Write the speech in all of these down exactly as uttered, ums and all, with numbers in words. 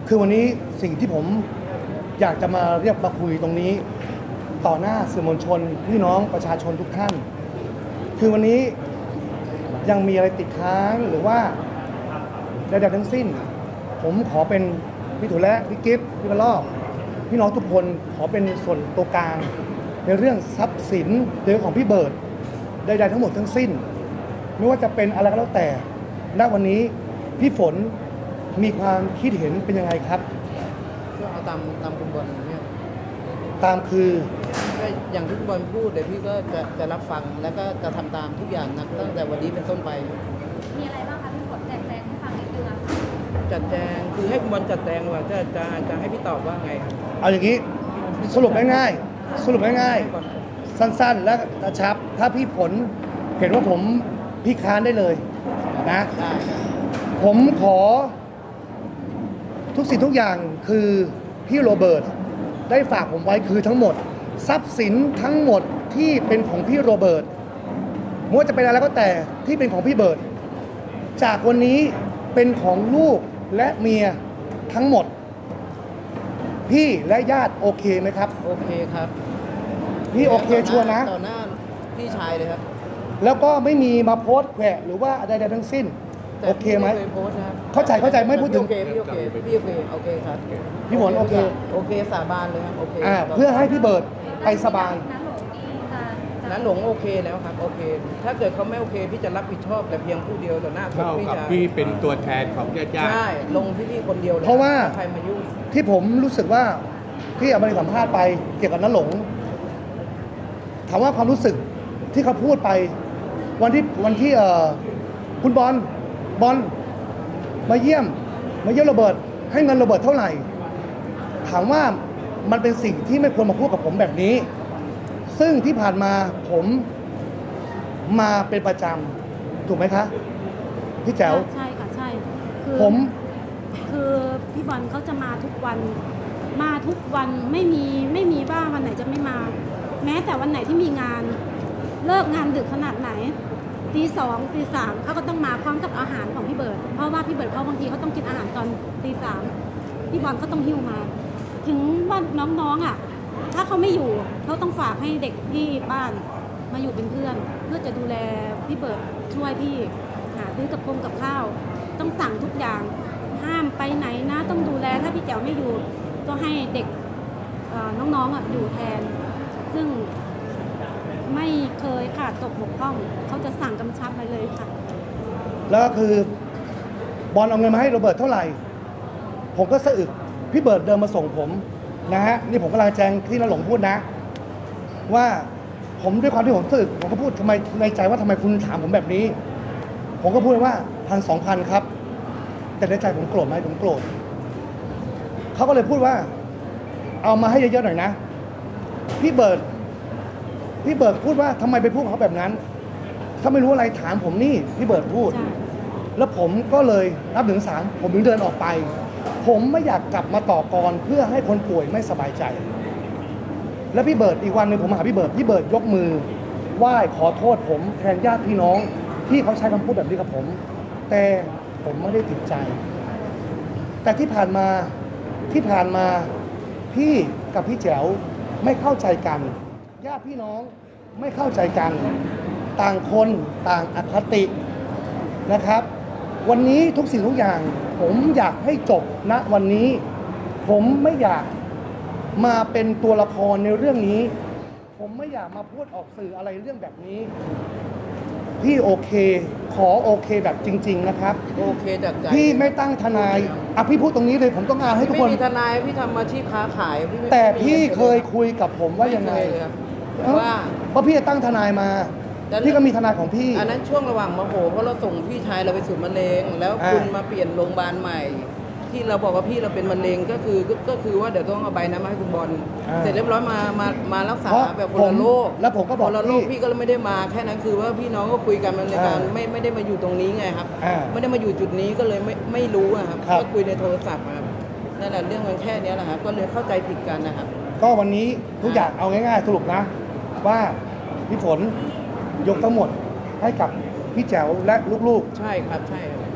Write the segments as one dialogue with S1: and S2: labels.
S1: คือวันนี้สิ่งที่ผมอยากจะมาเรียกมาคุยตรงนี้ ต่อหน้าสื่อมวลชนพี่น้องประชาชนทุกท่าน คือวันนี้ยังมีอะไรติดค้างหรือว่าใดๆทั้งสิ้น ผมขอเป็นพี่ถุและพี่กิฟต์พี่กระลอกพี่น้องทุกคนขอเป็นส่วนตัวกลางในเรื่องทรัพย์สินเรื่องของพี่เบิร์ดใดๆทั้งหมดทั้งสิ้น ไม่ว่าจะเป็นอะไรก็แล้วแต่ณวันนี้พี่ฝนมีความคิดเห็นเป็นยังไงครับ
S2: ก็เอาตามตามคุณบอลเนี่ย
S1: ตามคือ
S2: ก็อย่างที่คุณบอลพูดเดี๋ยวพี่ก็จะจะรับฟังแล้วก็จะทำตามทุกอย่างนะตั้งแต่วันนี้เป็นต้นไป
S3: มีอะไรบ้างคะพี่ฝนแจกแจงให้ฟังนิดนึงอะค่ะ
S2: จัดแจงคือให้คุณบอลจัดแจงว่าจะจะจะให้พี่ตอบว่าไง
S1: เอาอย่างนี้สรุปง่ายๆสรุปง่ายๆสั้นๆและกระชับถ้าพี่ฝนเห็นว่าผมพี่ค้านได้เลยนะผมขอทุกสิ่งทุกอย่างคือพี่โรเบิร์ตได้ฝากผมไว้คือทั้งหมดทรัพย์สินทั้งหมดที่เป็นของพี่โรเบิร์ตไม่ว่าจะเป็นอะไรก็แต่ที่เป็นของพี่เบิร์ตจากวันนี้เป็นของลูกและเมียทั้งหมดพี่และญาติโอเคไหมครับ
S2: โอเคครับ
S1: พี่โอเคชัวร์นะ
S2: ต่อหน้าพี่ชายเลยครับ
S1: แล้วก็ไม่มีมาโพสต์แขวะหรือว่าอะไรใดๆทั้งสิ้นโอเคไหมเข้าใจเข้าใจไม่พูดถึง
S2: โอเคพี่โอเคพี่โอเคโอเคครับ
S1: พี่ฝนโอเค
S2: โอเคสาบานเลยครับโอเค
S1: อ่าเพื่อให้พี่เบิร์ดไปสบาย
S2: นั้นหลงโอเคแล้วครับโอเคถ้าเกิดเขาไม่โอเคพี่จะรับผิดชอบแต่เพียงผู้เดียวต่อหน้า
S4: เท่ากับพี่เป็นตัวแทนของญาติญาติ
S2: ใช่ลงที่พี่คนเดียวเลย
S1: เพราะว่า
S2: ใครมายุ่ง
S1: ที่ผมรู้สึกว่าที่เอาไปสัมภาษณ์ไปเกี่ยวกับน้าหลงถามว่าความรู้สึกที่เขาพูดไปวันที่วันที่เอ่อคุณบอลบอลมาเยี่ยมมาเยี่ยมโรเบิร์ตให้เงินโรเบิร์ตเท่าไหร่ถามว่ามันเป็นสิ่งที่ไม่ควรมาพูดกับผมแบบนี้ซึ่งที่ผ่านมาผมมาเป็นประจำถูกไหมคะพี่แจ๋ว
S3: ใช่ค่ะใช่คือ
S1: ผม
S3: คือพี่บอลเขาจะมาทุกวันมาทุกวันไม่มีไม่มีว่าวันไหนจะไม่มาแม้แต่วันไหนที่มีงานเลิกงานดึกขนาดไหนตีสองตีสามเขาก็ต้องมาพร้อมกับอาหารของพี่เบิร์ดเพราะว่าพี่เบิร์ดเขาบางทีเขาต้องกินอาหารตอนตีสามพี่บอลเขาต้องหิ้วมาถึงว่าน้องๆอ่ะถ้าเขาไม่อยู่เขาต้องฝากให้เด็กที่บ้านมาอยู่เป็นเพื่อนเพื่อจะดูแลพี่เบิร์ดช่วยพี่หาซื้อกับคงกับข้าวต้องสั่งทุกอย่างห้ามไปไหนนะต้องดูแลถ้าพี่แจ๋วไม่อยู่ก็ให้เด็กน้องๆอ่ะอยู่แทนซึ่งไม่เคยขาดตกบกพร่องเขาจะสั่งกำชับไปเลยค่ะ
S1: แล้วก็คือบอลเอาเงินมาให้โรเบิร์ตเท่าไหร่ผมก็สะอึกพี่เบิร์ดเดินมาส่งผมนะฮะนี่ผมกำลังแจ้งที่น้าหลงพูดนะว่าผมด้วยความที่ผมสะอึกผมก็พูดทำไมในใจว่าทำไมคุณถามผมแบบนี้ผมก็พูดว่าพันสองพันครับแต่ในใจผมโกรธไหมผมโกรธเขาก็เลยพูดว่าเอามาให้เยอะๆหน่อยนะพี่เบิร์ดพี่เบิร์ดพูดว่าทำไมไปพูดเขาแบบนั้นถ้าไม่รู้อะไรถามผมนี่พี่เบิร์ดพูดแล้วผมก็เลยนับถึงสามผมถึงเดินออกไปผมไม่อยากกลับมาต่อกรเพื่อให้คนป่วยไม่สบายใจแล้วพี่เบิร์ดอีกวันหนึ่งผมมาหาพี่เบิร์ดพี่เบิร์ดยกมือไหว้ขอโทษผมแทนญาติพี่น้องที่เขาใช้คำพูดแบบนี้กับผมแต่ผมไม่ได้ติดใจแต่ที่ผ่านมาที่ผ่านมาพี่กับพี่แจ๋วไม่เข้าใจกันญาติพี่น้องไม่เข้าใจกันต่างคนต่างอคตินะครับวันนี้ทุกสิ่งทุกอย่างผมอยากให้จบณวันนี้ผมไม่อยากมาเป็นตัวละครในเรื่องนี้ผมไม่อยากมาพูดออกสื่ออะไรเรื่องแบบนี้พี่โอเคขอโอเคแบบจริงๆนะครับ
S2: โอเคจากใจ
S1: พี่ไม่ตั้งทนายอ่ะพี่พูดตรงนี้เลยผมต้องการให้ทุกคน
S2: ไม่มีทนายพี่ทำอาชีพค้าขาย
S1: แต่พี่เคยคุยกับผมว่ายังไง
S2: ว่า
S1: ว่าพี่จะตั้งทนายมาพี่ก็มีทนายของพี่
S2: อันนั้นช่วงระหว่างมโหเพราะเราส่งพี่ชายเราไปสู่มะเร็งแล้วคุณมาเปลี่ยนโรงพยาบาลใหม่ที่เราบอกว่าพี่เราเป็นมะเร็งก็คือก็คือว่าเดี๋ยวต้องเอาใบนั้นมาให้คุณบอลเสร็จเรียบร้อยมามามารักษาแบบคนละโรค
S1: แล้วผมก็บอก
S2: คนละโรคพี่ก็เลยไม่ได้มาแค่นั้นคือว่าพี่น้องก็คุยกันในการไม่ไม่ได้มาอยู่ตรงนี้ไงครับไม่ได้มาอยู่จุดนี้ก็เลยไม่ไม่รู้ครับก็คุยในโทรศัพท์ครับนั่นแหละเรื่องมันแค่นี้แหละครับก็เลยเข้าใจผิดกันนะครับ
S1: ก็วันนี้ทุกอย่างเอาง่ายๆสรุปนะว่าพี่ฝนยกทั้งหมดให้กับพี่แจ๋วและลูก
S2: ๆใช่ครับใช่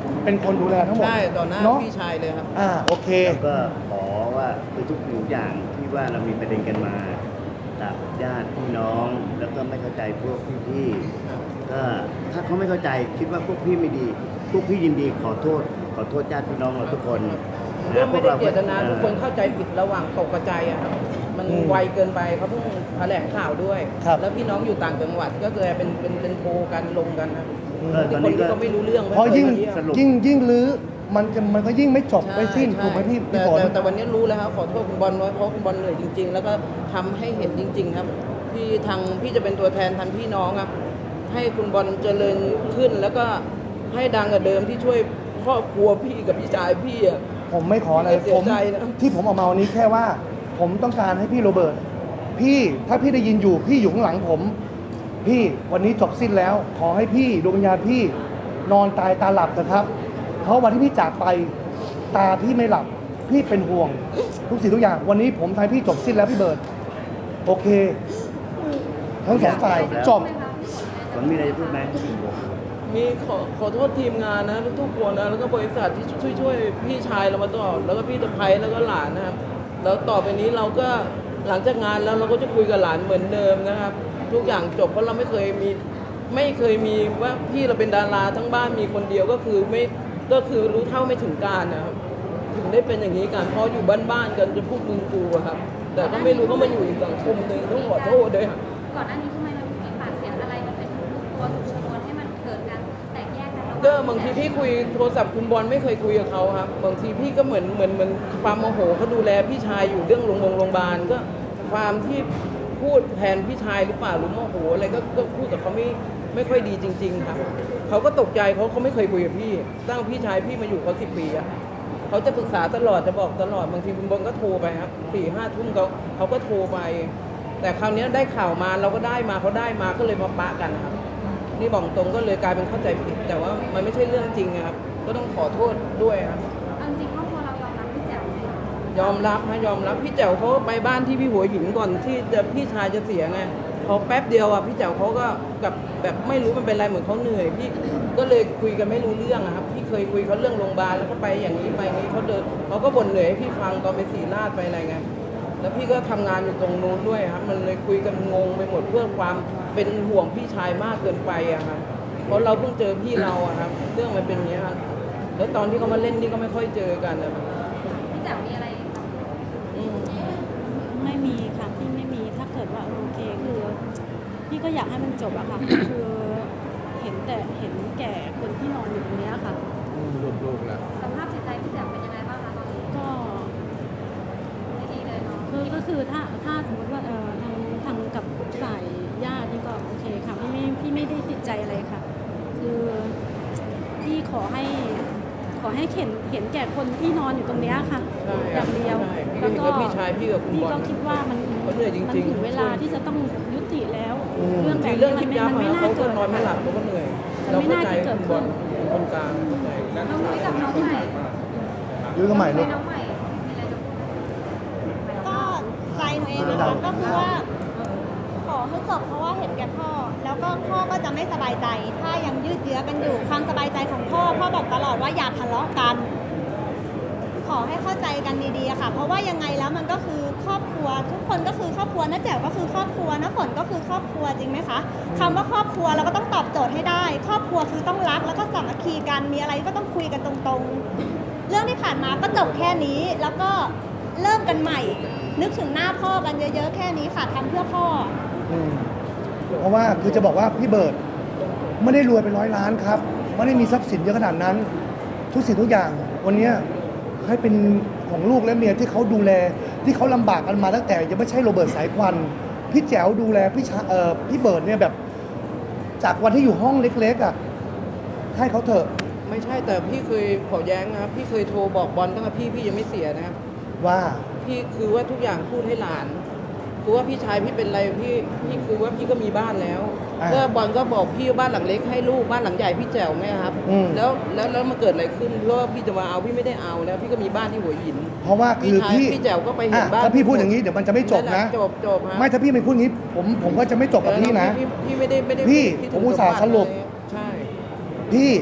S1: เป็นคนดูแลทั้งหมด
S2: ใช่ต่อหน้า
S1: เนาะ
S2: พี่ชายเลยครับ
S1: อ่าโอเค
S5: แล้วก็ขอว่าคือทุกสิ่งทุกอย่างที่ว่าเรามีประเด็นกันมากับญาติพี่น้อง แล้วก็ไม่เข้าใจพวกพี่ๆก็ถ้าเขาไม่เข้าใจคิดว่าพวกพี่ไม่ดี พวกพี่ยินดีขอโทษ ขอโทษญาติพี่น้องเราทุกคน
S2: เรื่องไม่ได้เจตนา
S5: พว
S2: ทุ
S5: ก
S2: ก
S5: เรา
S2: คนเข้าใจผิดระหว่างตกกระจายอะครับ มัน
S1: อืม
S2: ไวเกินไปเขาเพิ่งแถลงข่าวด้วย
S1: ครับ
S2: แล้วพี่น้องอยู่ต่างจังหวัดก็เลยเป็นเป็นเป็นโพลกันลงกันนะ
S5: เออตอน
S2: คน
S5: นี้
S2: ที่
S5: ก็
S2: เขาไม่รู้เรื่อง
S1: เพราะยิ่ง
S2: ไม่คมาเยี่ยม
S5: สรุป
S1: ยิ่งยิ่งลื้อมันจะมันก็ยิ่งไม่จบ
S2: ใช่
S1: ไม่สิ้น
S2: ใช่
S1: ถูกไหมพี่
S2: แต่
S1: พี่ฝน
S2: แต่แต่วันนี้รู้แล้วครับขอโทษคุณบอลไว้เพราะคุณบอลเหนื่อยจริง ๆ แล้วก็ทำให้เห็นจริง ๆ ครับพี่ทางพี่จะเป็นตัวแทนทันพี่น้องครับ ให้คุณบอลเจริญขึ้น แล้วก็ให้ดังกว่าเดิมที่ช่วยครอบครัวพี่กับพี่ชายพี่อะ
S1: ผมไม่ขออะไร
S2: ไม่เสีย
S1: ผม
S2: ใจนะ
S1: ที่ผมออกมาวันนี้แค่ว่า ผมต้องการให้พี่โรเบิร์ตพี่ถ้าพี่ได้ยินอยู่พี่อยู่ข้างหลังผม พี่วันนี้จบสิ้นแล้ว ขอให้พี่ดวงวิญญาณพี่นอนตายตาหลับนะครับ เพราะวันที่พี่จากไปตาพี่ไม่หลับ พี่เป็นห่วง ทุกสิ่งทุกอย่าง วันนี้ผมทายพี่จบสิ้นแล้วพี่เบิร์ตโอเค ทั้งสองฝ่ายจบ
S5: ฝนมีอะไรจะพูดไหม
S2: มีขอขอโทษทีมงานนะทุกๆคนนะแล้วก็บริษัทที่ช่วยช่วยพี่ชายเรามาตลอดแล้วก็พี่ตะไพแล้วก็หลานนะครับแล้วต่อไปนี้เราก็หลังจากงานแล้วเราก็จะคุยกับหลานเหมือนเดิมนะครับ ทุกอย่างจบเพราะเราไม่เคยมีไม่เคยมีว่าพี่เราเป็นดาราทั้งบ้านมีคนเดียวก็คือไม่ก็คือรู้เท่าไม่ถึงการนะครับถึงได้เป็นอย่างนี้กันเพราะอยู่บ้านๆกันจะพูดมึงกูอะครับ แต่ก็ไม่รู้ก็มาอยู่อีกสังคมหนึ่งต้องขอโทษด้วยครับ
S6: ก่อนหน้านี้ทำไมมันมีปากเสียงอะไรมันเป็นตัวจุดชนวนให้มันเกิดการแตกแยกกันระหว่าง
S2: ก็บางทีพี่คุยโทรศัพท์คุณบอลไม่เคยคุยกับเขาครับบางทีพี่ก็เหมือนเหมือนเหมือนความโมโหเขาดูแลพี่ชายอยู่เรื่องโรงพยาบาลโรงพยาบาลก็ความที่พูดแทนพี่ชายหรือเปล่าหรือโมโหอะไรก็ก็พูดกับเขาไม่ไม่ค่อยดีจริง ๆ ครับเขาก็ตกใจเขาเขาไม่เคยคุยกับพี่ตั้งพี่ชายพี่มาอยู่เขาสิบปีอะเขาจะปรึกษาตลอดจะบอกตลอดบางทีคุณบอลก็โทรไปครับสี่ห้าทุ่มเขาเขาก็โทรไป แต่คราวนี้ได้ข่าวมาเราก็ได้มาเขาได้มาก็เลยมาปะกันนะครับ นี่บอกตรงก็เลยกลายเป็นเข้าใจผิด แต่ว่ามันไม่ใช่เรื่องจริงนะครับ ก็ต้องขอโทษด้วยครับ
S6: เอาจริงๆครอบครัวเรายอมรับพี่แจ๋วไหมคะ
S2: ยอมรับนะยอมรับพี่แจ๋วเขาไปบ้านที่พี่หัวหินก่อนที่จะพี่ชายจะเสียไงพอแป๊บเดียวอ่ะพี่แจ๋วเขาก็กับแบบไม่รู้มันเป็นไรเหมือนเขาเหนื่อย พี่ก็เลยคุยกันไม่รู้เรื่องอะครับพี่เคยคุยเขาเรื่องโรงพยาบาลแล้วก็ไปอย่างนี้ไปอย่างนี้เขาเดินเขาก็บ่นเหนื่อยให้พี่ฟังตอนไปศรีราชไปอะไรไงแล้วพี่ก็ทำงานอยู่ตรงนู้นด้วยครับ มันเลยคุยกันงงไปหมดเพื่อความเป็นห่วงพี่ชายมากเกินไปอะครับ เพราะเราเพิ่งเจอพี่เราอะครับ เรื่องมันเป็นอย่างนี้ยครับแล้วตอนที่เขามาเล่นนี่ก็ไม่ค่อยเจอกันนะครับ
S6: พี่แจ๋วมีอะไร
S2: อืม
S3: ไม่มีค่ะพี่ไม่มีถ้าเกิดว่าโอเคคือพี่ก็อยากให้มันจบอะค่ะ คือเห็นแต่เห็นแก่คนที่นอนอยู่ตรงเนี้ยค่ะ
S4: ลูกๆแล้ว
S6: สภาพจิตใจพี่แจ๋วเป็นยังไงบ้างคะตอนนี้
S3: ก็
S6: ไม่ดีเลยเนาะ
S3: คือก็คือถ้าถ้าสมมติว่าเออทางทางกับฝ่ายญาตินี่ก็โอเคค่ะพี่ไม่พี่ไม่ได้ติดใจอะไรค่ะ คือพี่ขอให้ขอให้เห็นเห็นแก่คนที่นอนอยู่ตรงเนี้ยค่ะ
S2: ใช่
S3: อ
S2: ครับ
S3: ย่างเดียว
S2: ใช่
S3: แล้วก็
S2: พี่ก็พี่ชายพี่กับคุณ
S3: พี่
S2: บอล
S3: ก็คิดว่ามัน
S2: เขาเหนื่อยจริงๆ
S3: มันถึงเวลาที่จะต้องยุติแล้ว
S1: อืม
S3: เรื่องแบ
S2: คื
S3: บ
S2: อเรื่อง
S3: นี้
S2: ยิบยับ
S3: มัน
S2: อะ
S3: ไม่น่า
S2: เขาก็
S3: เกิด
S2: นอนไม่หลับเขาก็เหนื่อย
S3: มัน
S2: เรา
S3: ไม่
S2: เข้า
S3: น่า
S2: ใจ
S3: จะเกิด
S2: คุณบอล
S3: ขึ้น
S2: คนกลางเข้าใจ
S6: น้องนุ้ยกับน้องใหม่
S1: ยื้อกันใหม่ลูก
S6: น้องใหม่มีอะไรจะพูดไหม
S7: ก็ใจหนูเองนะคะก็คือว่าขอให้จบเพราะว่าเห็นแก่พ่อ แล้วก็พ่อก็จะไม่สบายใจ ถ้ายังยืดเยื้อกันอยู่ความสบายใจของพ่อพ่อบอกตลอดว่าอย่าทะเลาะกัน ขอให้เข้าใจกันดีๆอะค่ะ เพราะว่ายังไงแล้วมันก็คือครอบครัว ทุกคนก็คือครอบครัวน้าแจ๋วก็คือครอบครัวน้าฝนก็คือครอบครัวจริงไหมคะคำว่าครอบครัวเราก็ต้องตอบโจทย์ให้ได้ ครอบครัวคือต้องรักแล้วก็สามัคคีกันมีอะไรก็ต้องคุยกันตรงๆ เรื่องที่ผ่านมาก็จบแค่นี้ แล้วก็เริ่มกันใหม่ นึกถึงหน้าพ่อกันเยอะๆแค่นี้ค่ะทำเพื่อพ่อ
S1: อืมเพราะว่าคือจะบอกว่าพี่เบิร์ดไม่ได้รวยเป็นร้อยล้านครับไม่ได้มีทรัพย์สินเยอะขนาดนั้น ทุกสิ่งทุกอย่างวันเนี้ยให้เป็นของลูกและเมียที่เขาดูแลที่เขาลำบากกันมาตั้งแต่ยังไม่ใช่โรเบิร์ตสายควันพี่แจ๋วดูแลพี่ชาเอ่อพี่เบิร์ดเนี่ยแบบ จากวันที่อยู่ห้องเล็กๆอ่ะให้เขาเถอะ
S2: ไม่ใช่แต่พี่เคยขอแย้งนะครับ พี่เคยโทรบอกบอลตั้งแต่พี่พี่ยังไม่เสียนะครับ
S1: ว่า
S2: พี่คือว่าทุกอย่างพูดให้หลานคือว่าพี่ชายพี่เป็นอะไรพี่พี่คือว่าพี่ก็มีบ้านแล้ว
S1: อ่า
S2: ก็บอลก็บอกพี่ว่าบ้านหลังเล็กให้ลูกบ้านหลังใหญ่พี่แจ๋วไงครับ
S1: อืม
S2: แล้วแล้วแล้วมันเกิดอะไรขึ้นเพราะว่าพี่จะมาเอาพี่ไม่ได้เอาแล้วพี่ก็มีบ้านที่หัวหิน
S1: เพราะว่าคือ
S2: พี่ชาย
S1: พี่
S2: พี่แจ๋วก็ไปเห็น
S1: อ่ะ
S2: บ้าน
S1: ถ้าพี่พูดอย่างนี้เดี๋ยวมันจะไม่จบนะ
S2: จบจบฮะ
S1: ไม่ถ้าพี่ไม่พูดอย่างนี้ผมผมก็จะไม่จบกับพี่นะ
S2: พี่พี่ไม่ได้ไม่ได้
S1: พี่
S2: คิด
S1: ผ
S2: ถึ
S1: ม
S2: ง
S1: อุตส่าห์
S2: มบัติ
S1: สรุป
S2: เลยใช่
S1: พี่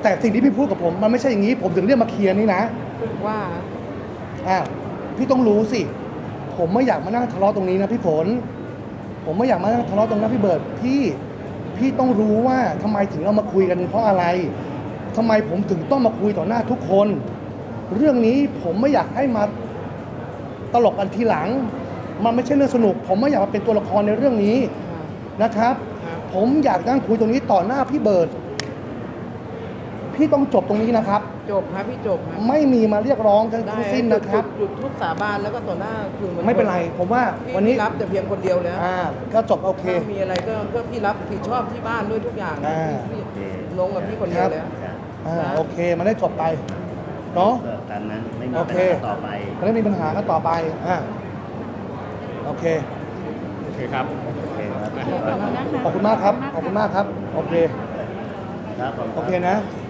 S1: แต่สิ่งที่พี่พูดกับผมมันไม่ใช่อย่างนี้ ผมถึงเรียกมาเคลียร์นี่นะ
S2: ว่า
S1: อ้าวพี่ต้องรู้สิ ผมไม่อยากมานั่งทะเลาะตรงนี้นะพี่ฝนผมไม่อยากมานั่งทะเลาะตรงนั้นพี่เบิร์ดพี่พี่ต้องรู้ว่าทำไมถึงเรามาคุยกันเพราะอะไรทำไมผมถึงต้องมาคุยต่อหน้าทุกคน เรื่องนี้ผมไม่อยากให้มาตลกกันทีหลัง มันไม่ใช่เรื่องสนุก ผมไม่อยากมาเป็นตัวละครในเรื่องนี้นะครับ ผมอยากนั่งคุยตรงนี้ต่อหน้าพี่เบิร์ดพี่ต้องจบตรงนี้นะครับ
S2: จบครับพี่จบครับ
S1: ไม่มีมาเรียกร้องทั้ง
S2: ได้
S1: สิ้นนะครับ
S2: จุดทุกสาบานแล้วก็ต่อหน้าคือมัน
S1: ไม่เป็นไร ผมว่า
S2: พี่
S1: วันนี้
S2: รับแต่เพียงคนเดียวแล้ว
S1: อ่าก็จบโอเค
S2: ถ้ามีอะไรก็ก็พี่รับผิดชอบที่บ้านด้วยทุกอย่าง
S1: อ่า
S2: พี่พี่ลงกับพี่คนเดียวแล้ว
S5: จ้ะ
S1: อ่าโอเคมันได้จบไปเนาะ
S5: ก็ตามนั้นไม่มี
S1: โอ
S5: ปัญ
S1: เค
S5: หาต่อไป
S1: มันไม่มีปัญหากันต่อไปอ่าโอเค
S4: โอเคครับ
S5: โอเคครับ
S3: ขอบคุณนะคะ
S1: ขอบคุณมากครับ ขอบคุณมากครับ โอเค
S5: ครับผม
S1: โอเคนะ
S5: ค